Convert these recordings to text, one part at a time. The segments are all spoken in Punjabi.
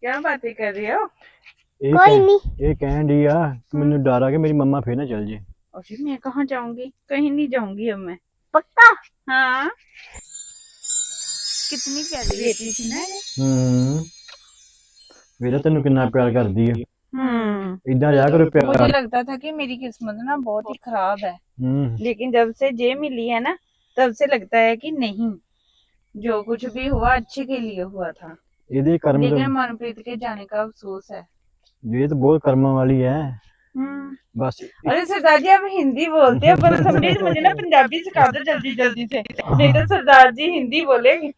क्या बातें कर रहे हो? ਇਹ कोई ਕਹਿ नहीं। ਇਹ ਕਹਿਣ ਡਈ ਆ ਕਿ ਮੈਨੂੰ ਡਰ ਆ ਕਿ ਮੇਰੀ ਮੰਮਾ ਫੇਰ ਨਾ ਚੱਲ ਜੇ। और फिर मैं कहाँ जाऊंगी? कहीं नहीं जाऊंगी अब मैं। पक्का? हाँ। कितनी प्यारी बेटी थी ना। ਵੇਲਾ ਤੈਨੂੰ ਕਿੰਨਾ ਪਿਆਰ ਕਰਦੀ ਆ। इधर जा करो प्यार। मुझे लगता था कि मेरी किस्मत ना बहुत ही खराब है, लेकिन जब से जे मिली है ना, तब से लगता है कि नहीं, जो कुछ भी हुआ अच्छे के लिए हुआ था। ਇਹਦੇ ਕਰਮ लेकिन मनप्रीत के जाने का अफसोस है। ये तो बहुत कर्म वाली है बस। अरे सरदार जी आप हिंदी बोलते हैं पर समझे, मुझे ना पंजाबी सिखा दो जल्दी जल्दी से, नहीं तो सरदार जी हिंदी बोलेंगे।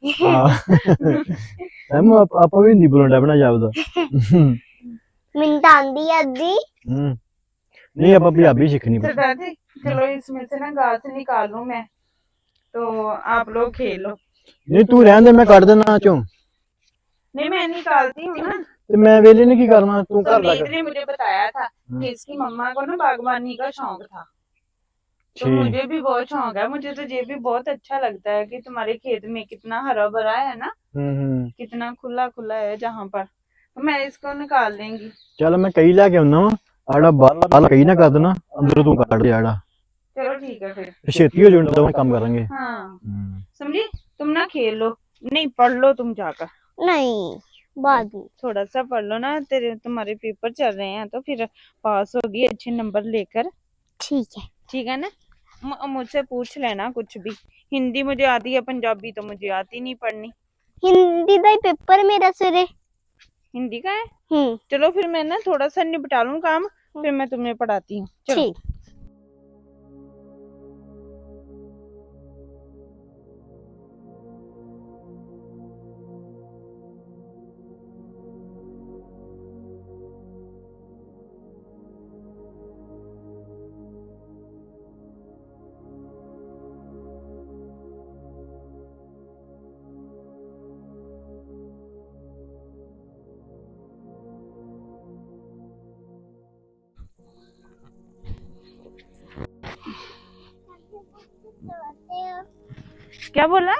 आप भी हिंदी बोलना अपना जापदा। मिनट आंदी अद्धी। नहीं आप पंजाबी सीखनी। सरदार जी चलो इसमें से ना घास निकाल लूं मैं, तो आप लोग खेल लो। नहीं तू रहने दे, मैं काट देना चो। नहीं मैं निकालती हूँ ना। तो मैं वेले ने की करना, तू कर संदीप लग। ने मुझे बताया था कि इसकी मम्मा को ना बागवानी का शौक था, तो ठीक। मुझे भी बहुत शौक है। मुझे तो ये भी बहुत अच्छा लगता है कि तुम्हारे खेत में कितना हरा भरा है ना, कितना खुला खुला है जहाँ पर, तो मैं इसको निकाल देंगी। चल मैं कई लाके आउना वा, आड़ा बाल कई ना कर देना, अंदर तू काट दे आड़ा। चलो ठीक है फिर, छेती हो जाए तो काम करेंगे। हाँ समझी, तुम ना खेल लो, नहीं पढ़ लो तुम जाकर। नहीं बाद में। थोड़ा सा पढ़ लो ना, तुम्हारे पेपर चल रहे हैं तो फिर पास होगी अच्छे नंबर लेकर। ठीक है ना। मुझसे पूछ लेना कुछ भी। हिंदी मुझे आती है, पंजाबी तो मुझे आती नहीं पढ़नी। हिंदी का पेपर मेरा सवेरे। हिंदी का है? चलो फिर मैं ना थोड़ा सा निपटा लूं काम, फिर मैं तुम्हें पढ़ाती हूँ। चलो। क्या बोला?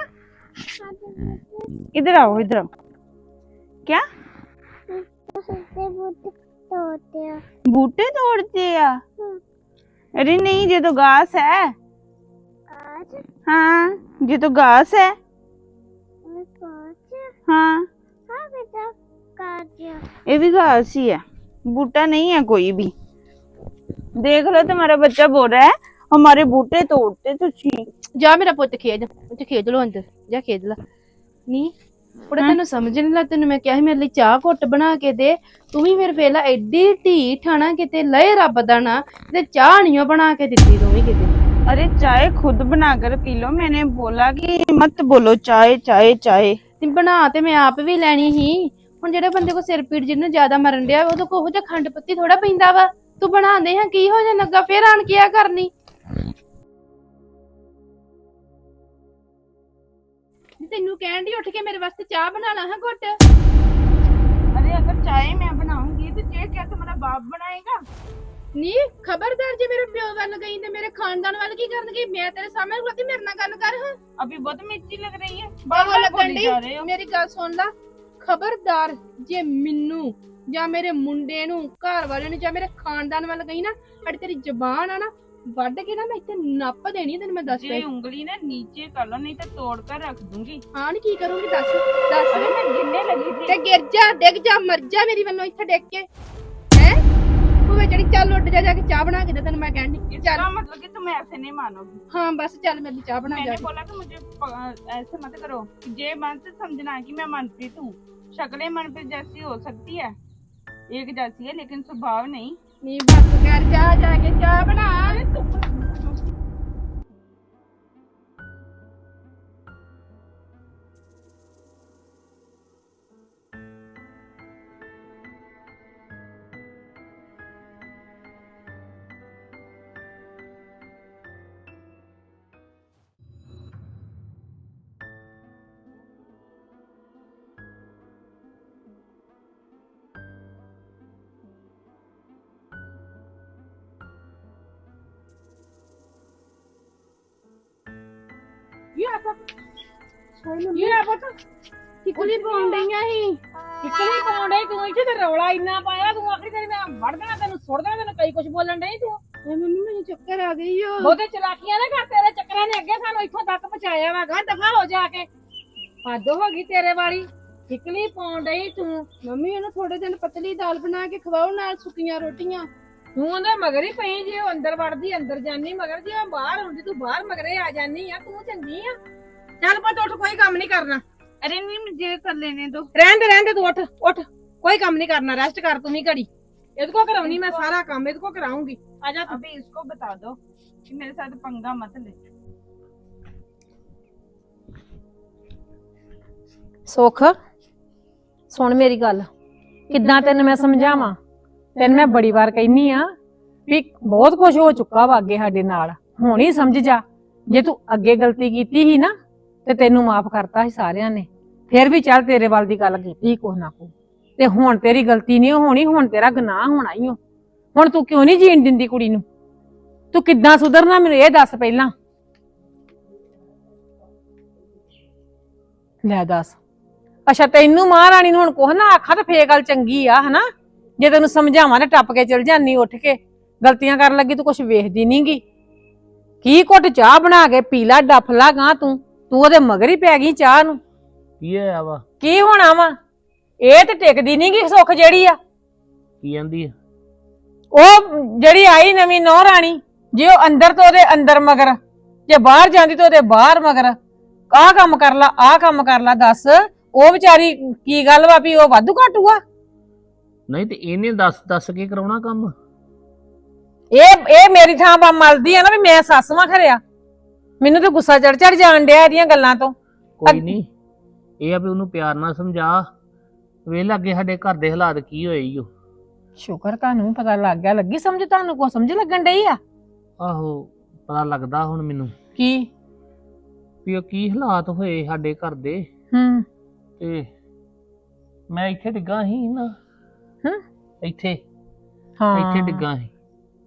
इधर आओ, इधर आओ। क्या? बूटे तोड़ते हैं? अरे नहीं, ये तो घास है। हाँ ये तो घास है। हाँ ये भी घास ही है, बूटा नहीं है कोई भी। देख लो तुम्हारा बच्चा बोल रहा है हमारे बूटे तोड़ते तो जा मेरा पुੱਤ ਖੇਡ ਲੋ ਅੰਦਰ ਜਾ ਖੇਡ ਲਾ ਨੀ ਕੁੜੇ ਤੈਨੂੰ ਸਮਝ ਨਹੀਂ ਲੱਗ ਤੈਨੂੰ ਮੈਂ ਕਿਹਾ ਸੀ ਮੇਰੇ ਲਈ ਚਾਹ ਘੁੱਟ ਬਣਾ ਕੇ ਦੇ ਤੂੰ ਵੀ ਮੇਰੇ ਵੇਲਾ ਐਡੀ ਢੀਠ ਆਣਾ ਕਿਤੇ ਲਏ ਰੱਬ ਦਾ ਨਾ ਤੇ ਚਾਹ ਨਹੀਂ ਬਣਾ ਕੇ ਦਿੱਤੀ ਤੂੰ ਵੀ ਕਿਤੇ। अरे चाय खुद बनाकर पी लो, मैंने बोला कि मत बोलो चाय चाय चाय। ਤੇ ਬਣਾ ਤੇ ਮੈਂ ਆਪ ਵੀ ਲੈਣੀ ਸੀ, ਹੁਣ ਜਿਹੜੇ ਬੰਦੇ ਕੋ ਸਿਰ ਪੀੜ ਜਿਹਨੂੰ ਜ਼ਿਆਦਾ ਮਰਨ ਡਿਆ ਉਹਦੇ ਕੋ ਉਹ ਜਿਹਾ ਖੰਡ ਪੱਤੀ ਥੋੜਾ ਪੈਂਦਾ ਵਾ। ਤੂੰ ਬਣਾਉਂਦੇ ਹਾਂ ਕੀ ਹੋ ਜਾ ਲੱਗਾ ਫੇਰ ਆਣ ਕੇ ਆ ਕਰਨੀ। ਤੈਨੂੰ ਕਹਿਣ ਦੀ ਉੱਠ ਕੇ ਮੇਰੇ ਵਾਸਤੇ ਚਾਹ ਬਣਾ ਲਾ ਹਾਂ ਘੁੱਟ। अरे अगर चाय मैं बनाऊंगी तो ये क्या तुम्हारा बाप बनाएगा? ਨੀ ਖਬਰਦਾਰ ਜੇ ਮੇਰੇ ਪਿਓ ਵੱਲ ਗਈ ਤੇ ਮੇਰੇ ਖਾਨਦਾਨ ਵੱਲ ਕੀ ਕਰਨਗੇ। ਮੈਂ ਤੇਰੇ ਸਾਹਮਣੇ ਖਲੋਤੀ ਮੇਰੇ ਨਾਲ ਗੱਲ ਕਰ। ਹਾਂ अभी बहुत मिर्ची लग रही है, ਬਾਹਰ ਲੱਗਣ बोली जा रहे ਦੀ हो। ਮੇਰੀ ਗੱਲ ਸੁਣ ਲਾ। ਖਬਰਦਾਰ ਜੇ ਮੈਨੂੰ ਜਾਂ ਮੇਰੇ ਮੁੰਡੇ ਨੂੰ ਘਰ ਵਾਲੇ ਨੂੰ ਜਾਂ ਮੇਰੇ ਖਾਨਦਾਨ ਵੱਲ ਗਈ ਨਾ ਅੜ ਤੇਰੀ ਜ਼ਬਾਨ ਆ ਨਾ ਵੱਢ ਕੇ ਨਾ ਮੈਂ ਇੱਥੇ ਨੱਪ ਦੇਣੀ ਤੈਨੂੰ ਮੈਂ ਦੱਸ ये ਦੇ। उंगली ना नीचे कर लो, नहीं तो तोड़ कर रख दूंगी। ਹਾਂ ਨੀ ਕੀ ਕਰੂੰਗੀ ਦੱਸ ਦੱਸ। अरे मैं गिरने लगी थी। ਤੇ ਗਿਰ ਜਾ ਡਿੱਗ ਜਾ ਮਰ ਜਾ ਮੇਰੀ ਵੱਲੋਂ ਇੱਥੇ ਡਿੱਗ ਕੇ ਹੈ। ਤੂੰ ਵੇ ਜਿਹੜੀ ਚੱਲ ਉੱਡ ਜਾ ਕੇ ਚਾਹ ਬਣਾ ਕੇ ਦੇ ਤੈਨੂੰ ਮੈਂ ਕਹਿਣੀ ਚੱਲ। इसका मतलब कि तुम ऐसे नहीं मानोगी। ਹਾਂ ਬਸ ਚੱਲ ਮੇਰੀ ਚਾਹ ਬਣਾ ਜਾ। मैंने बोला कि मुझे ऐसे मत करो, ये मत समझना कि मैं मनप्रीत हूँ। शक्लें मनप्रीत जैसी हो सकती है, एक जैसी है, लेकिन स्वभाव नहीं। ਨੀ ਬਸ ਕਰ ਜਾ ਕੇ ਚਾਹ ਬਣਾ। ये ਕੀ ਕੁਲੀ ਪਾਉਣ ਡਈਆਂ ਸੀ ਕਿੱਕਲੀ ਪਾਉਣ ਡਈ ਤੂੰ ਇੱਥੇ ਤੇ ਰੌਲਾ ਇੰਨਾ ਪਾਇਆ ਤੂੰ ਆਖਰੀ ਤੇਰੀ ਮੈਂ ਵੜ ਦੇਣਾ ਤੈਨੂੰ ਸੁੱਟ ਦੇਣਾ ਤੈਨੂੰ ਕਈ ਕੁਝ ਬੋਲਣ ਡਈ ਤੂੰ ਏ ਮੰਮੀ ਮੈਨੂੰ ਚੱਕਰ ਆ ਗਈ ਓ ਬਹੁਤੇ ਚਲਾਕੀਆਂ ਨਾ ਕਰ ਤੇਰੇ ਚੱਕਰਾਂ ਨੇ ਅੱਗੇ ਸਾਨੂੰ ਇੱਥੋਂ ਤੱਕ ਪਹੁੰਚਾਇਆ ਵਾ ਗਾ ਦਫਾ ਹੋ ਜਾ ਕੇ ਹੱਦ ਹੋ ਗਈ ਤੇਰੇ ਵਾਲੀ ਕਿੱਕਲੀ ਪਾਉਣ ਡਈ ਤੂੰ ਮੰਮੀ ਇਹਨੂੰ ਥੋੜੇ ਦਿਨ ਪਤਲੀ ਦਾਲ ਬਣਾ ਕੇ ਖਵਾਓ ਨਾਲ ਸੁੱਕੀਆਂ ਰੋਟੀਆਂ ਤੂੰ ਉਹਦੇ ਮਗਰ ਹੀ ਪਈ ਜੇ ਉਹ ਅੰਦਰ ਵੜਦੀ ਅੰਦਰ ਜਾਨੀ ਮਗਰ ਜੇ ਉਹ ਬਾਹਰ ਹੁੰਦੀ ਤੂੰ ਬਾਹਰ ਮਗਰੇ ਆ ਜਾਨੀ ਆ ਤੂੰ ਚੰਗੀ ਆ ਚੱਲ ਪੁੱਤ ਉੱਠ ਕੋਈ ਕੰਮ ਨਹੀਂ ਕਰਨਾ अरे नहीं मुझे कर लेने दो। ਰਹਿਣ ਦੇ ਤੂੰ ਉੱਠ ਉੱਠ ਕੋਈ ਕੰਮ ਨਹੀਂ ਕਰਨਾ ਰੈਸਟ ਕਰ ਤੂੰ ਵੀ ਘੜੀ ਇਹਦੇ ਕੋ ਕਰਾਉਣੀ ਮੈਂ ਸਾਰਾ ਕੰਮ ਇਹਦੇ ਕੋ ਕਰਾਉਂਗੀ आजा तू अभी इसको बता दो कि मेरे साथ पंगा मत ले। ਸੁੱਖ ਸੁਣ ਮੇਰੀ ਗੱਲ ਕਿੱਦਾਂ ਤੈਨੂੰ ਮੈਂ ਸਮਝਾਵਾਂ ਤੈਨੂੰ ਮੈਂ ਬੜੀ ਵਾਰ ਕਹਿਨੀ ਆ ਵੀ ਬਹੁਤ ਕੁਝ ਹੋ ਚੁੱਕਾ ਵਾ ਅੱਗੇ ਸਾਡੇ ਨਾਲ ਹੁਣ ਹੀ ਸਮਝ ਜਾ ਜੇ ਤੂੰ ਅੱਗੇ ਗਲਤੀ ਕੀਤੀ ਸੀ ਨਾ ਤੇ ਤੈਨੂੰ ਮਾਫ ਕਰਤਾ ਸੀ ਸਾਰਿਆਂ ਨੇ ਫਿਰ ਵੀ ਚੱਲ ਤੇਰੇ ਵੱਲ ਦੀ ਗੱਲ ਕੀਤੀ ਕੁਛ ਨਾ ਕੋ ਤੇ ਹੁਣ ਤੇਰੀ ਗਲਤੀ ਨਹੀਂ ਹੋਣੀ ਹੁਣ ਤੇਰਾ ਗੁਨਾਹ ਹੋਣਾ ਹੀ ਓ ਹੁਣ ਤੂੰ ਕਿਉਂ ਨਹੀਂ ਜੀਣ ਦਿੰਦੀ ਕੁੜੀ ਨੂੰ ਤੂੰ ਕਿੱਦਾਂ ਸੁਧਰਨਾ ਮੈਨੂੰ ਇਹ ਦੱਸ ਪਹਿਲਾਂ ਲੈ ਦੱਸ ਅੱਛਾ ਤੈਨੂੰ ਮਹਾਰਾਣੀ ਨੂੰ ਹੁਣ ਕੁਛ ਨਾ ਆਖਾਂ ਤਾਂ ਫੇਰ ਗੱਲ ਚੰਗੀ ਆ ਹਨਾ ਜੇ ਤੈਨੂੰ ਸਮਝਾਵਾਂ ਨਾ ਟੱਪ ਕੇ ਚਲ ਜਾਨੀ ਉੱਠ ਕੇ ਗਲਤੀਆਂ ਕਰਨ ਲੱਗੀ ਤੂੰ ਕੁਛ ਵੇਖਦੀ ਨਹੀਂਗੀ ਕੀ ਘੁੱਟ ਚਾਹ ਬਣਾ ਕੇ ਪੀ ਲਾ ਡੱਫ ਲਾ ਗਾਂ ਤੂੰ ਉਹਦੇ ਮਗਰ ਹੀ ਪੈ ਗਈ ਚਾਹ ਨੂੰ ਕੀ ਹੋਇਆ ਵਾ ਕੀ ਹੋਣਾ ਵਾ ਇਹ ਤੇ ਟਿਕਦੀ ਨਹੀਂਗੀ ਸੁੱਖ ਜਿਹੜੀ ਆ ਕੀ ਕਹਿੰਦੀ ਆ ਉਹ ਜਿਹੜੀ ਆਈ ਨਵੀਂ ਨੌ ਰਾਣੀ ਜੇ ਉਹ ਅੰਦਰ ਤੋਂ ਉਹਦੇ ਅੰਦਰ ਮਗਰ ਜੇ ਬਾਹਰ ਜਾਂਦੀ ਤਾਂ ਉਹਦੇ ਬਾਹਰ ਮਗਰ ਆਹ ਕੰਮ ਕਰ ਲਾ ਦੱਸ ਉਹ ਵਿਚਾਰੀ ਕੀ ਗੱਲ ਵਾ ਵੀ ਉਹ ਵਾਧੂ ਘਾਟੂ ਆ ਨਹੀਂ ਤੇ ਇਹਨੇ ਦੱਸ ਕੇ ਕਰਾਉਣਾ ਕੰਮ ਇਹ ਮੇਰੀ ਥਾਂ ਬਾ ਮਲਦੀ ਆ ਨਾ ਵੀ ਮੈਂ ਸੱਸ ਵਾਂ ਖਰਿਆ ਮੈਨੂੰ ਤਾਂ ਗੁੱਸਾ ਚੜ ਜਾਣ ਡਿਆ ਇਹਦੀਆਂ ਗੱਲਾਂ ਤੋਂ ਕੋਈ ਨਹੀਂ ਇਹ ਆ ਵੀ ਉਹਨੂੰ ਪਿਆਰ ਨਾਲ ਸਮਝਾ ਵੇਖ ਲੱਗੇ ਸਾਡੇ ਘਰ ਦੇ ਹਾਲਾਤ ਕੀ ਹੋਏ ਈ ਓ ਸ਼ੁਕਰ ਤੁਹਾਨੂੰ ਪਤਾ ਲੱਗ ਗਿਆ ਲੱਗੀ ਸਮਝ ਤੁਹਾਨੂੰ ਕੋ ਸਮਝ ਲੱਗਣ ਡਈ ਆ ਆਹੋ ਪਤਾ ਲੱਗਦਾ ਹੁਣ ਮੈਨੂੰ ਕੀ ਵੀ ਉਹ ਕੀ ਹਾਲਾਤ ਹੋਏ ਸਾਡੇ ਘਰ ਦੇ ਤੇ ਮੈਂ ਇੱਥੇ ਡਿੱਗਾ ਸੀ ਨਾ ਇੱਥੇ ਹਾਂ ਡਿੱਗਾ ਸੀ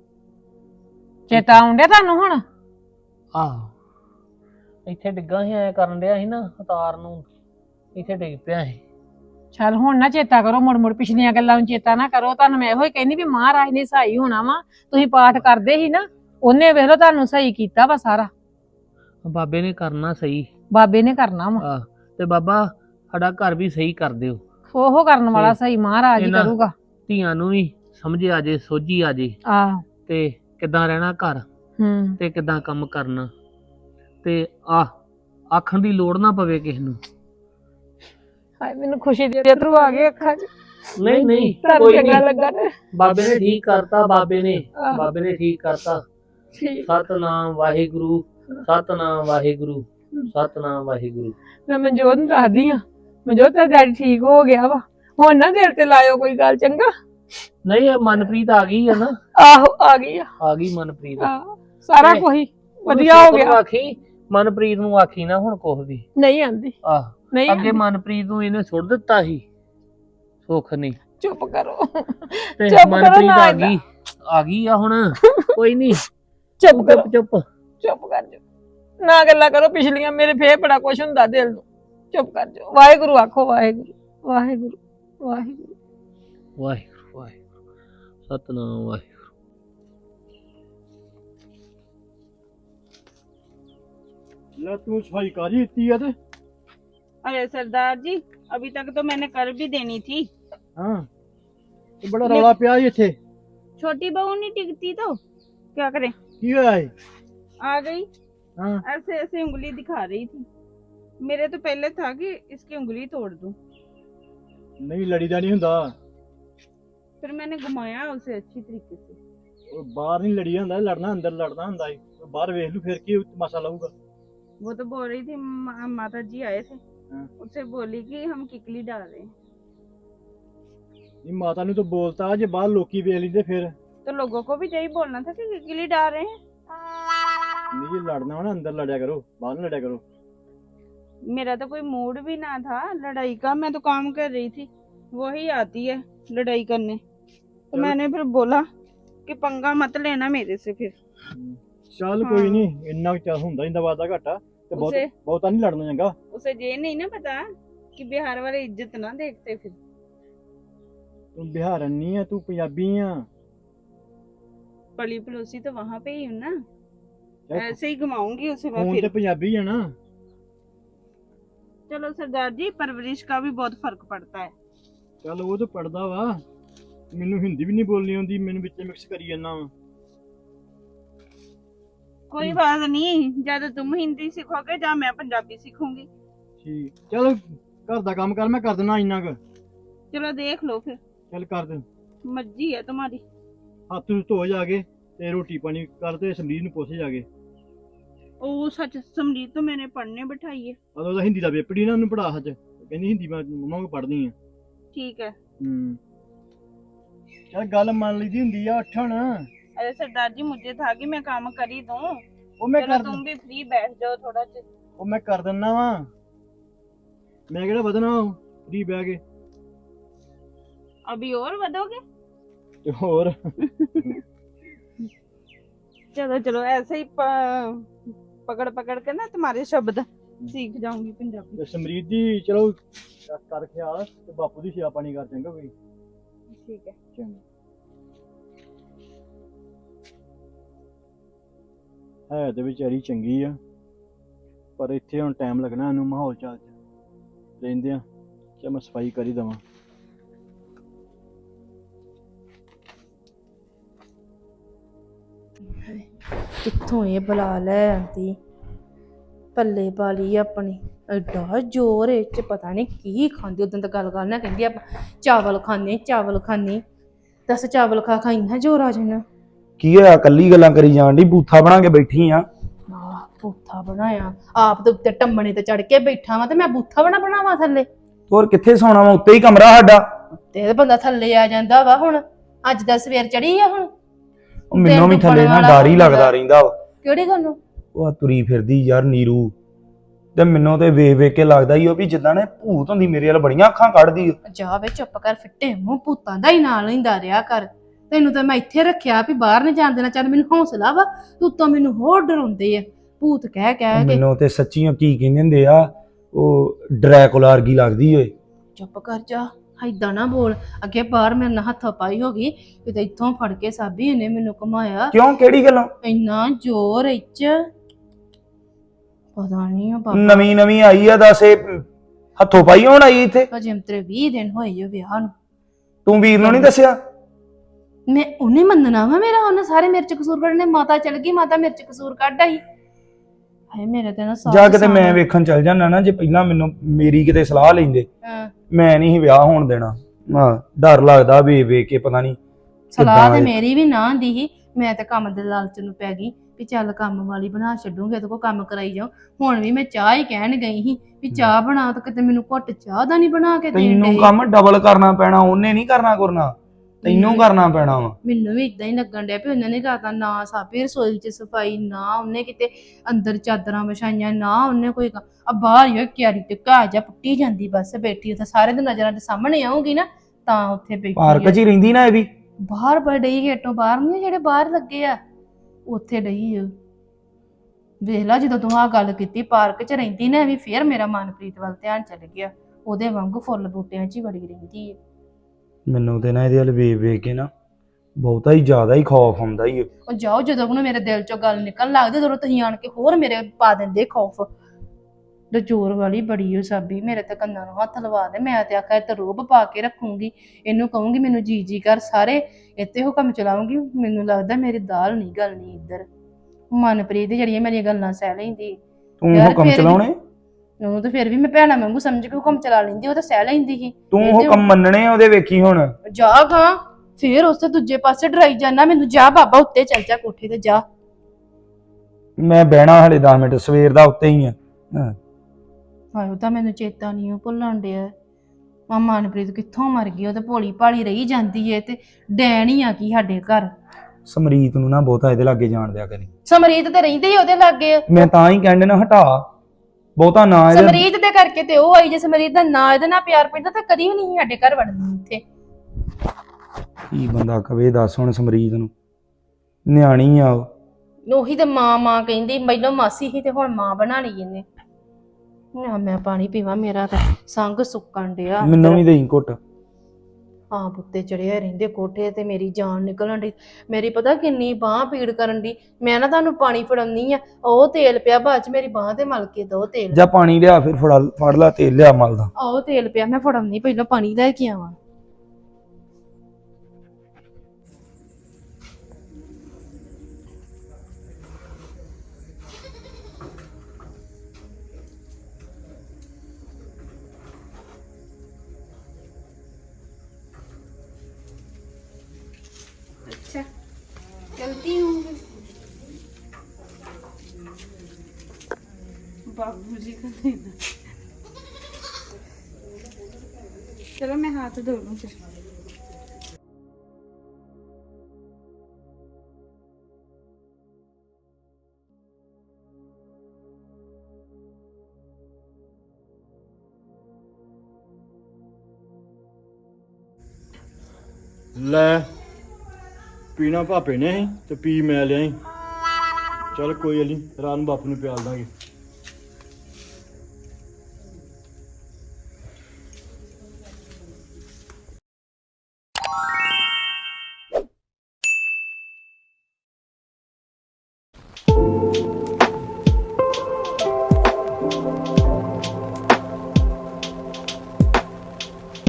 ਚੇਤਾ ਆਉਂਦਿਆ ਤੁਹਾਨੂੰ ਹੁਣ ਆਹੋ ਇੱਥੇ ਡਿੱਗਾ ਸੀ ਐ ਕਰਨ ਡਿਆ ਸੀ ਨਾ ਉਤਾਰ ਨੂੰ ਇੱਥੇ ਡਿੱਗ ਪਿਆ ਸੀ ਚੱਲ ਹੁਣ ਨਾ ਚੇਤਾ ਕਰੋ ਮੁੜ ਪਿਛਲੀਆਂ ਗੱਲਾਂ ਨੂੰ ਚੇਤਾ ਨਾ ਕਰੋ ਤੁਹਾਨੂੰ ਮੈਂ ਇਹੋ ਹੀ ਕਹਿੰਦੀ ਵੀ ਮਹਾਰਾਜ ਨੇ ਸਹੀ ਹੋਣਾ ਵਾ ਤੁਸੀਂ ਪਾਠ ਕਰਦੇ ਸੀ ਨਾ ਉਹਨੇ ਵੇਖ ਲਓ ਤੁਹਾਨੂੰ ਸਹੀ ਕੀਤਾ ਵਾ ਸਾਰਾ ਬਾਬੇ ਨੇ ਕਰਨਾ ਸਹੀ ਬਾਬੇ ਨੇ ਕਰਨਾ ਵਾ ਆਹ ਤੇ ਬਾਬਾ ਸਾਡਾ ਘਰ ਵੀ ਸਹੀ ਕਰ ਦਿਓ ਉਹ ਕਰਨ ਵਾਲਾ ਸਹੀ ਮਹਾਰਾਜ ਹੀ ਕਰੂਗਾ ਧੀਆਂ ਨੂੰ ਵੀ ਸਮਝ ਆ ਜੇ ਸੋਝੀ ਆ ਜੇ ਆਹ ਤੇ ਕਿੱਦਾਂ ਰਹਿਣਾ ਘਰ ਤੇ ਕਿੱਦਾਂ ਕੰਮ ਕਰਨਾ ਤੇ ਆਖਣ ਦੀ ਲੋੜ ਨਾ ਪਵੇ ਕਿਸੇ ਨੂੰ ਹਾਏ ਮੈਨੂੰ ਖੁਸ਼ੀ ਦੇ ਅਥਰੂ ਆ ਗਏ ਅੱਖਾਂ 'ਚ ਨਹੀਂ ਕੋਈ ਚੰਗਾ ਲੱਗਾ ਤੇ ਬਾਬੇ ਨੇ ਠੀਕ ਕਰਤਾ ਬਾਬੇ ਨੇ ਠੀਕ ਕਰਤਾ ਸਤਨਾਮ ਵਾਹਿਗੁਰੂ ਸਤਨਾਮ ਵਾਹਿਗੁਰੂ ਸਤਨਾਮ ਵਾਹਿਗੁਰੂ ਮੈਂ ਮਨਜੋਤ ਨੂੰ ਦੱਸਦੀ ਆ ਮਨਜੋਤ ਦਾ ਡੈਡੀ ਠੀਕ ਹੋ ਗਿਆ ਵਾ ਹੁਣ ਨਾ ਦਿਲ ਤੇ ਲਾਇਓ ਕੋਈ ਗੱਲ ਚੰਗਾ ਨਹੀਂ ਇਹ ਮਨਪ੍ਰੀਤ ਆ ਗਈ ਆ ਨਾ ਆਹੋ ਆ ਗਈ ਮਨਪ੍ਰੀਤ ਸਾਰਾ ਕੁਝ ਵਧੀਆ ਹੋ ਗਿਆ ਆਖੀ ਮਨਪ੍ਰੀਤ ਨੂੰ ਆਖੀ ਨਾ ਹੁਣ ਕੁਝ ਵੀ ਨਹੀਂ ਆਂਦੀ ਨਹੀਂ ਅੱਗੇ ਮਨਪ੍ਰੀਤ ਨੂੰ ਇਹਨੇ ਸੁੱਟ ਦਿੱਤਾ ਸੀ ਸੁੱਖ ਨਹੀਂ ਚੁੱਪ ਕਰੋ ਤੇ ਮਨਪ੍ਰੀਤ ਆ ਗਈ ਆ ਹੁਣ ਕੋਈ ਨਹੀਂ ਚੁੱਪ ਕਰ ਜਾ ਨਾ ਗੱਲਾਂ ਕਰੋ ਪਿਛਲੀਆਂ ਮੇਰੇ ਫੇਰ ਬੜਾ ਕੁਛ ਹੁੰਦਾ ਦਿਲ ਨੂੰ ਚੁੱਪ ਕਰ ਜਾ ਵਾਹਿਗੁਰੂ ਆਖੋ ਵਾਹਿਗੁਰੂ ਵਾਹਿਗੁਰੂ ਵਾਹਿਗੁਰੂ ਵਾਹਿਗੁਰੂ ਵਾਹਿਗੁਰੂ ਸਤਨਾਮ ਵਾਹਿਗੁਰੂ ਲੈ ਤੂੰ ਸਫਾਈ ਕਰ ਹੀ ਦਿੱਤੀ ਆ ਤੇ अरे सरदार जी अभी तक तो मैंने कर भी देनी थी। ਹਾਂ ਤੇ ਬੜਾ ਰੌਲਾ ਪਿਆ ਜੀ ਇੱਥੇ छोटी बहू नहीं टिकती तो क्या करें। ਕੀ ਹੋਇਆ ਏ आ गई ਹਾਂ ऐसे ऐसे उंगली दिखा रही थी। मेरे तो पहले था कि इसकी उंगली तोड़ दूं, ਨਹੀਂ ਲੜੀਦਾ ਨਹੀਂ ਹੁੰਦਾ फिर मैंने घुमाया उसे अच्छी तरीके से। ਉਹ ਬਾਹਰ ਨਹੀਂ ਲੜੀ ਹੁੰਦਾ ਲੜਨਾ ਅੰਦਰ ਲੜਨਾ ਹੁੰਦਾ ਏ ਬਾਹਰ ਵੇਖ ਲੂ ਫਿਰ ਕੀ ਤਮਾਸ਼ਾ ਲਾਊਗਾ वो तो बोल रही थी माता जी आए थे, हाँ। उससे बोली कि हम किकली डाल रहे हैं। ਨਹੀਂ ਮਾਤਾ ਨੂੰ ਤਾਂ ਬੋਲਤਾ ਜੇ ਬਾਹਰ ਲੋਕੀ ਵੇਖ ਲੈਂਦੇ ਫਿਰ तो लोगों को भी यही बोलना था कि किकली डाल रहे हैं। ਨਹੀਂ ਜੇ ਲੜਨਾ ਹੋ ਨਾ ਅੰਦਰ ਲੜਿਆ ਕਰੋ ਬਾਹਰ ਨਾ ਲੜਿਆ ਕਰੋ मेरा तो कोई मूड भी ना था लड़ाई का, मैं तो काम कर रही थी, वही आती है लड़ाई करने। तो मैंने फिर बोला कि पंगा मत लेना मेरे से फिर। ਚੱਲ ਕੋਈ ਨਹੀਂ ਇੰਨਾ ਕੁ ਚੱਲ ਹੁੰਦਾ ਇੰਦਾ ਵਾਦਾ ਘਾਟਾ ਤੇ ਬਹੁਤਾ ਨਹੀਂ ਲੜਨਾ ਚੰਗਾ उसे ये नहीं ना पता कि बिहार वाले इज्जत ना देखते फिर। ਤੂੰ ਬਿਹਾਰਨ ਨਹੀਂ ਆ, ਤੂੰ ਪੰਜਾਬੀ ਆ। पली पड़ोसी तो वहां पे ही हूँ ना, ऐसे ही घुमाऊंगी उसे मैं ਹੁਣ फिर। ਤੇ ਪੰਜਾਬੀ ਆ ਨਾ। चलो सरदार जी, परवरिश का भी बहुत फर्क पड़ता है। ਚੱਲ ਉਹ ਤਾਂ ਪੜਦਾ ਵਾ, ਮੈਨੂੰ ਹਿੰਦੀ ਵੀ ਨਹੀਂ ਬੋਲਣੀ ਆਉਂਦੀ, ਮੈਨੂੰ ਵਿੱਚ ਮਿਕਸ ਕਰੀ ਜਾਂਦਾ ਵਾ। कोई बात नहीं, ज्यादा तुम हिंदी सीखोगे या मैं पंजाबी सीखूंगी। ਠੀਕ ਚੱਲ ਘਰ ਦਾ ਕੰਮ ਕਰ, ਮੈਂ ਕਰ ਦੇਣਾ ਇੰਨਾ ਕੁ। चलो देख लो फिर, ਚੱਲ ਕਰ ਦੇ। मर्जी है तुम्हारी। ਹੱਥ ਨੂੰ ਧੋ ਜਾ ਕੇ ਤੇ ਰੋਟੀ ਪਾਣੀ ਕਰ ਤੇ ਸਮਰੀਤ ਨੂੰ ਪੁੱਛ ਜਾ ਕੇ। ओ सच, समरीत तो मैंने पढ़ने बिठाई है। ਉਦੋਂ ਉਹਦਾ ਹਿੰਦੀ ਦਾ ਪੇਪਰ ਹੀ ਨਾ, ਉਹਨੂੰ ਪੜਾ ਸੱਚ, ਕਹਿੰਦੀ ਹਿੰਦੀ ਮੈਂ ਮੰਮਾ ਕੋ ਪੜ੍ਹਨੀ ਆ। ठीक है। ਚੱਲ ਗੱਲ ਮੰਨ ਲਈਦੀ ਹੁੰਦੀ ਆ, ਉੱਠ ਹੁਣ। अरे सरदार जी, मुझे था कि मैं काम कर ही दूं। ਉਹ ਮੈਂ चलो ਕਰ तुम भी फ्री बैठ जाओ थोड़ा सा। ਉਹ ਮੈਂ ਕਰ ਦਿੰਦਾ ਵਾ, ਮੈਂ ਕਿਹੜਾ ਵਧਣਾ ਫਰੀ ਬਹਿ ਕੇ। अभी और बढ़ोगे? ਤੇ ਹੋਰ चलो चलो, ऐसे ही पकड़ पकड़ के ना तुम्हारे शब्द सीख जाऊंगी पंजाबी। ਤੇ ਸਮਰੀਤ ਦੀ ਚਲੋ ਕਰ ਖਿਆਲ, ਤੇ ਬਾਪੂ ਦੀ ਸੇਵਾ ਪਾਣੀ ਕਰ ਚੰਗਾ ਕੋਈ। ठीक है। ਹੈ ਤੇ ਵਿਚਾਰੀ ਚੰਗੀ ਆ, ਪਰ ਇੱਥੇ ਹੁਣ ਟਾਈਮ ਲੱਗਣਾ ਇਹਨੂੰ ਮਾਹੌਲ ਚਾਲ ਚ ਰਹਿੰਦੇ ਆ। ਚੱਲ ਮੈਂ ਸਫਾਈ ਕਰ ਹੀ ਦੇਵਾਂ। ਕਿੱਥੋਂ ਇਹ ਬੁਲਾ ਲੈ ਆਂਦੀ, ਪੱਲੇ ਪਾ ਲਈ ਆਪਣੀ। ਐਡਾ ਜ਼ੋਰ ਇਹ ਚ, ਪਤਾ ਨਹੀਂ ਕੀ ਖਾਂਦੀ। ਉਦੋਂ ਤਾਂ ਗੱਲ ਕਰਨਾ ਕਹਿੰਦੀ ਆਪਾਂ ਚਾਵਲ ਖਾਣੇ, ਚਾਵਲ ਖਾਣੇ। ਦੱਸ ਚਾਵਲ ਖਾ ਖਾ ਇੰਨਾ ਜ਼ੋਰ ਆ ਜਾਣਾ। ਕੀ ਹੋਇਆ, ਕੱਲੀ ਗੱਲਾਂ ਕਰੀ ਜਾਣ ਡਈ, ਬੂਥਾ ਬਣਾ ਕੇ ਬੈਠੀ ਆ। ਬੂਥਾ ਬਣਾਇਆ ਆਪ ਦੇ ਉੱਤੇ ਟੰਮਣੇ ਤੇ ਚੜ ਕੇ ਬੈਠਾ ਵਾਂ, ਤੇ ਮੈਂ ਬੂਥਾ ਬਣਾਵਾਂ ਥੱਲੇ? ਹੋਰ ਕਿੱਥੇ ਸੌਣਾ ਵਾ, ਉੱਤੇ ਹੀ ਕਮਰਾ ਸਾਡਾ। ਤੇ ਬੰਦਾ ਥੱਲੇ ਆ ਜਾਂਦਾ ਵਾ। ਹੁਣ ਅੱਜ ਦਾ ਸਵੇਰ ਚੜੀ ਆ, ਹੁਣ ਉਹ ਮੈਨੂੰ ਵੀ ਥੱਲੇ ਨਾ ਡਰ ਹੀ ਲੱਗਦਾ ਰਹਿੰਦਾ ਵਾ। ਕਿਹੜੀ ਗੱਲੋਂ? ਉਹ ਆ ਤੁਰੀ ਫਿਰਦੀ ਯਾਰ ਨੀਰੂ, ਤੇ ਮੈਨੂੰ ਤੇ ਵੇਖ ਵੇਖ ਕੇ ਲੱਗਦਾ ਹੀ ਉਹ ਵੀ ਜਿੱਦਾਂ ਨੇ ਭੂਤ ਹੁੰਦੀ, ਮੇਰੇ ਵੱਲ ਬੜੀਆਂ ਅੱਖਾਂ ਕੱਢਦੀ। ਜਾ ਵੇ ਚੁੱਪ ਕਰ, ਫਿੱਟੇ ਮੂੰਹ, ਭੂਤਾਂ ਦਾ ਹੀ ਨਾਲ ਲੈਂਦਾ ਰਿਹਾ ਕਰ। ਤੈਨੂੰ ਤਾਂ ਮੈਂ ਇੱਥੇ ਰੱਖਿਆ ਵੀ ਬਾਹਰ ਨਹੀਂ ਜਾਣ ਦੇਣਾ। ਚੱਲ ਮੈਨੂੰ ਹੌਸਲਾ ਵਾ, ਤੂੰ ਤਾਂ ਮੈਨੂੰ ਹੋਰ ਡਰਾਉਂਦੇ ਆ ਭੂਤ ਕਹਿ ਕਹਿ ਕੇ। ਮੈਨੂੰ ਤੇ ਸੱਚੀਆਂ ਕੀ ਕਹਿੰਦੇ ਹੁੰਦੇ ਆ, ਉਹ ਡਰੈਕੁਲਾ ਵਰਗੀ ਲੱਗਦੀ ਓਏ। ਚੁੱਪ ਕਰ ਜਾ, ਏਦਾਂ ਨਾ ਬੋਲ। ਅੱਗੇ ਬਾਹਰ ਮੇਰੇ ਨਾਲ ਹੱਥ ਪਾਈ ਹੋ ਗਈ, ਕਿਤੇ ਇੱਥੋਂ ਫੜ ਕੇ ਸਾਬੀ ਇਹਨੇ ਮੈਨੂੰ ਘੁਮਾਇਆ। ਕਿਉਂ, ਕਿਹੜੀ ਗੱਲੋਂ? ਇੰਨਾ ਜ਼ੋਰ ਇੱਚ, ਪਤਾ ਨਹੀਂ ਆ ਬਾਬਾ। ਨਵੀਂ ਨਵੀਂ ਆਈ ਆ, ਦੱਸ ਇਹ ਹੱਥੋਂ ਪਾਈ ਹੋਣ ਆਈ ਇੱਥੇ? ਅਜੇ ਤੇਰੇ 20 ਦਿਨ ਹੋਏ ਜੋ ਵਿਆਹ ਨੂੰ। ਤੂੰ ਵੀਰ ਨੂੰ ਨਹੀਂ ਦੱਸਿਆ? ਮੈਂ ਉਹਨੇ ਮੰਨਣਾ ਵਾ ਮੇਰਾ, ਉਹਨੇ ਸਾਰੇ ਮੇਰੇ ਚ ਕਸੂਰ ਕੱਢਣੇ। ਮਾਤਾ ਚਲ ਗਈ, ਮਾਤਾ ਮੇਰੇ ਚ ਕਸੂਰ ਕੱਢ ਆਈ। ਹਾਏ ਮੇਰੇ ਤੇ ਨਾ ਸਾਹ ਜਾ ਕਿਤੇ ਮੈਂ ਵੇਖਣ ਚੱਲ ਜਾਣਾ ਨਾ, ਜੇ ਪਹਿਲਾਂ ਮੈਨੂੰ ਮੇਰੀ ਕਿਤੇ ਸਲਾਹ ਲੈਂਦੇ, ਮੈਂ ਨਹੀਂ ਵਿਆਹ ਹੋਣ ਦੇਣਾ। ਹਾਂ, ਡਰ ਲੱਗਦਾ ਵੇ ਵੇਖ ਕੇ, ਪਤਾ ਨਹੀਂ ਸਲਾਹ ਤੇ ਮੇਰੀ ਵੀ ਨਾ ਦੀ ਸੀ। ਮੈਂ ਤੇ ਕੰਮ ਦੇ ਲਾਲਚ ਨੂੰ ਪੈ ਗਈ ਵੀ ਚੱਲ ਕੰਮ ਵਾਲੀ ਬਣਾ ਛੱਡੂਗੇ, ਇਹਦੇ ਕੋਲ ਕੰਮ ਕਰਾਈ ਜਾਓ। ਹੁਣ ਵੀ ਮੈਂ ਚਾਹ ਹੀ ਕਹਿਣ ਗਈ ਸੀ ਵੀ ਚਾਹ ਬਣਾ, ਤਾਂ ਕਿਤੇ ਮੈਨੂੰ ਘੁੱਟ ਚਾਹ ਦਾ ਨਹੀਂ ਬਣਾ ਕੇ ਦੇਣ ਤੈਨੂੰ ਡਏ। ਕੰਮ ਡਬਲ ਕਰਨਾ ਪੈਣਾ, ਉਹਨੇ ਨਹੀਂ ਕਰਨਾ, ਤੈਨੂੰ ਕਰਨਾ ਪੈਣਾ ਵਾ। ਮੈਨੂੰ ਵੀ ਇਦਾਂ ਹੀ ਲੱਗਣ ਡਿਆ ਵੀ ਉਹਨਾਂ ਨੇ ਕਰਤਾ ਨਾ। ਸਾਬੀ ਰਸੋਈ ਚ ਸਫਾਈ ਨਾ, ਉਹਨੇ ਕਿਤੇ ਅੰਦਰ ਚਾਦਰਾਂ ਵਿਛਾਈਆਂ ਨਾ, ਉਹਨੇ ਕੋਈ ਆ ਬਾਹਰ ਹੀ ਕਿਆਰੀ ਤੇ ਘਾਹ ਜਾ ਪੁੱਟੀ ਜਾਂਦੀ, ਬਸ ਬੈਠੀ ਉੱਥੇ ਸਾਰੇ ਦੇ ਨਜ਼ਰਾਂ ਦੇ ਸਾਹਮਣੇ ਆਉਂਗੀ ਨਾ, ਤਾਂ ਉੱਥੇ ਬੈਠੀ ਪਾਰਕ 'ਚ ਹੀ ਰਹਿੰਦੀ ਨਾ ਇਹ ਵੀ? ਬਾਹਰ ਡਈ ਗੇਟੋਂ ਬਾਹਰ ਨਹੀਂ, ਜਿਹੜੇ ਬਾਹਰ ਲੱਗੇ ਆ ਉੱਥੇ ਡਈ ਆ। ਵੇਖ ਲਾ, ਜਦੋਂ ਤੂੰ ਆਹ ਗੱਲ ਕੀਤੀ ਪਾਰਕ 'ਚ ਰਹਿੰਦੀ ਨਾ, ਵੀ ਫੇਰ ਮੇਰਾ ਮਨਪ੍ਰੀਤ ਵੱਲ ਧਿਆਨ ਚੱਲ ਗਿਆ। ਉਹਦੇ ਵਾਂਗੂ ਫੁੱਲ ਬੂਟਿਆਂ 'ਚ ਹੀ ਵੜੀ ਰਹਿੰਦੀ ਹੈ। ਮੈਨੂੰ ਤੇ ਨਾ ਇਹਦੇ ਵੱਲ ਵੇਖ ਵੇਖ ਕੇ ਨਾ ਬਹੁਤਾ ਹੀ ਜ਼ਿਆਦਾ ਹੀ ਖੌਫ ਆਉਂਦਾ ਹੀ। ਉਹ ਜਾਓ, ਜਦੋਂ ਉਹਨੂੰ ਮੇਰੇ ਦਿਲ 'ਚੋਂ ਗੱਲ ਨਿਕਲਣ ਲੱਗਦੀ, ਉਦੋਂ ਤੁਸੀਂ ਆਣ ਕੇ ਹੋਰ ਮੇਰੇ ਪਾ ਦਿੰਦੇ ਖੌਫ। ਜ਼ੋਰ ਵਾਲੀ ਬੜੀ ਉਹ ਸਾਬੀ, ਮੇਰੇ ਤੇ ਕੰਨਾਂ ਨੂੰ ਹੱਥ ਲਵਾ ਦੇ। ਮੈਂ ਤੇ ਆਖਿਆ ਤੇ ਰੋਬ ਪਾ ਕੇ ਰੱਖੂੰਗੀ, ਇਹਨੂੰ ਕਹੂੰਗੀ ਮੈਨੂੰ ਜੀ ਕਰ, ਸਾਰੇ ਇੱਥੇ ਹੁਕਮ ਚਲਾਉਂਗੀ। ਮੈਨੂੰ ਲੱਗਦਾ ਮੇਰੀ ਦਾਲ ਨਹੀਂ ਗਲਣੀ ਇੱਧਰ। ਮਨਪ੍ਰੀਤ ਜਿਹੜੀਆਂ ਮੇਰੀਆਂ ਗੱਲਾਂ ਸਹਿ ਲੈਂਦੀ। ਤੂੰ ਹੁਕਮ ਚਲਾਉਣੇ? ਉਹਨੂੰ ਤਾਂ ਫਿਰ ਵੀ ਮੈਂ ਭੈਣਾ ਵਾਂਗੂ ਸਮਝ ਕੇ ਹੁਕਮ ਚਲਾ ਲੈਂਦੀ, ਉਹ ਤਾਂ ਸਹਿ ਲੈਂਦੀ ਸੀ। ਤੂੰ ਹੁਕਮ ਮੰਨਣੇ ਉਹਦੇ, ਵੇਖੀ ਹੁਣ। ਜਾ ਗਾ, ਫਿਰ ਉਸੇ ਦੂਜੇ ਪਾਸੇ ਡਰਾਈ ਜਾਣਾ ਮੈਨੂੰ। ਜਾ ਬਾਬਾ, ਉੱਤੇ ਚੱਲ ਜਾ, ਕੋਠੇ ਤੇ ਜਾ। ਮੈਂ ਬਹਿਣਾ ਹਲੇ 10 ਮਿੰਟ, ਸਵੇਰ ਦਾ ਉੱਤੇ ਹੀ ਆ। ਹਾਏ, ਉਹ ਤਾਂ ਮੈਨੂੰ ਚੇਤਾ ਨਹੀਂ ਉਹ ਭੁੱਲਣ ਡਿਆ। ਮਨਪ੍ਰੀਤ ਕਿੱਥੋਂ ਮਰ ਗਈ? ਉਹ ਤਾਂ ਭੋਲੀ ਭਾਲੀ ਰਹੀ ਜਾਂਦੀ ਏ, ਤੇ ਡੈਣ ਹੀ ਆ ਕੀ ਸਾਡੇ ਘਰ। ਸਮਰੀਤ ਨੂੰ ਨਾ ਬਹੁਤਾ ਇਹਦੇ ਲਾਗੇ ਜਾਣ ਦਿਆ ਕਰੀ। ਸਮਰੀਤ ਤੇ ਰਹਿੰਦੀ ਉਹਦੇ ਲਾਗੇ। ਮੈਂ ਤਾਂ ਹੀ ਕਹਿੰਦੇ ਨਾ, ਹਟਾ ਬਹੁਤਾ ਨਾ ਇਹਦੇ। ਸਮਰੀਤ ਦੇ ਕਰਕੇ ਤੇ ਉਹ ਆਈ। ਜੇ ਸਮਰੀਤ ਦਾ ਨਾ ਇਹਦੇ ਨਾਲ ਪਿਆਰ ਪੈਂਦਾ ਤਾਂ ਕਦੀ ਵੀ ਨਹੀਂ ਸਾਡੇ ਘਰ ਵੜਨੀ ਇੱਥੇ। ਕੀ ਬੰਦਾ ਕਵੇ, ਦੱਸ ਹੁਣ। ਸਮਰੀਤ ਨੂੰ ਨਿਆਣੀ ਆ ਉਹ। ਉਹੀ ਤੇ ਮਾਂ ਕਹਿੰਦੀ, ਪਹਿਲਾਂ ਮਾਸੀ ਸੀ ਤੇ ਹੁਣ ਮਾਂ ਬਣਾ ਲਈ ਇਹਨੇ। ਨਾ ਮੈਂ ਪਾਣੀ ਪੀਵਾਂ, ਮੇਰਾ ਤਾਂ ਸੰਗ ਸੁੱਕਣ ਡਿਆ। ਮੈਨੂੰ ਵੀ ਦੇਈ ਘੁੱਟ। ਹਾਂ ਪੁੱਤੇ ਚੜਿਆ ਰਹਿੰਦੇ ਕੋਠੇ ਤੇ ਮੇਰੀ ਜਾਨ ਨਿਕਲਣ ਦੀ ਮੇਰੀ ਪਤਾ ਕਿੰਨੀ ਬਾਹ ਪੀੜ ਕਰਨ ਦੀ ਮੈਂ ਨਾ ਤੁਹਾਨੂੰ ਪਾਣੀ ਫੜਾਉਣੀ ਆ ਉਹ ਤੇਲ ਪਿਆ ਬਾਅਦ ਚ ਮੇਰੀ ਬਾਹ ਤੇ ਮਲ ਕੇ ਦੋ ਤੇਲ ਜਾਂ ਪਾਣੀ ਲਿਆ ਫਿਰ ਫੜ ਲਾ ਤੇਲ ਲਿਆ ਮਲਦਾ। ਆਓ ਤੇਲ ਪਿਆ ਮੈਂ ਫੜਾਉਣੀ ਪਹਿਲਾਂ ਪਾਣੀ ਲੈ ਕੇ ਆਵਾਂ। अच्छा चलती हूँ बाबूजी का देना। चलो मैं हाथ धो लूँ फिर। ਲੈ ਪੀਣਾ ਭਾਪੇ ਨੇ ਸੀ ਤੇ ਪੀ ਮੈਂ ਲਿਆਈ। ਚੱਲ ਕੋਈ ਗੱਲ ਨੀ ਰਾਤ ਨੂੰ ਬਾਪੂ ਨੂੰ ਪਿਆਲ ਦਾਂਗੇ।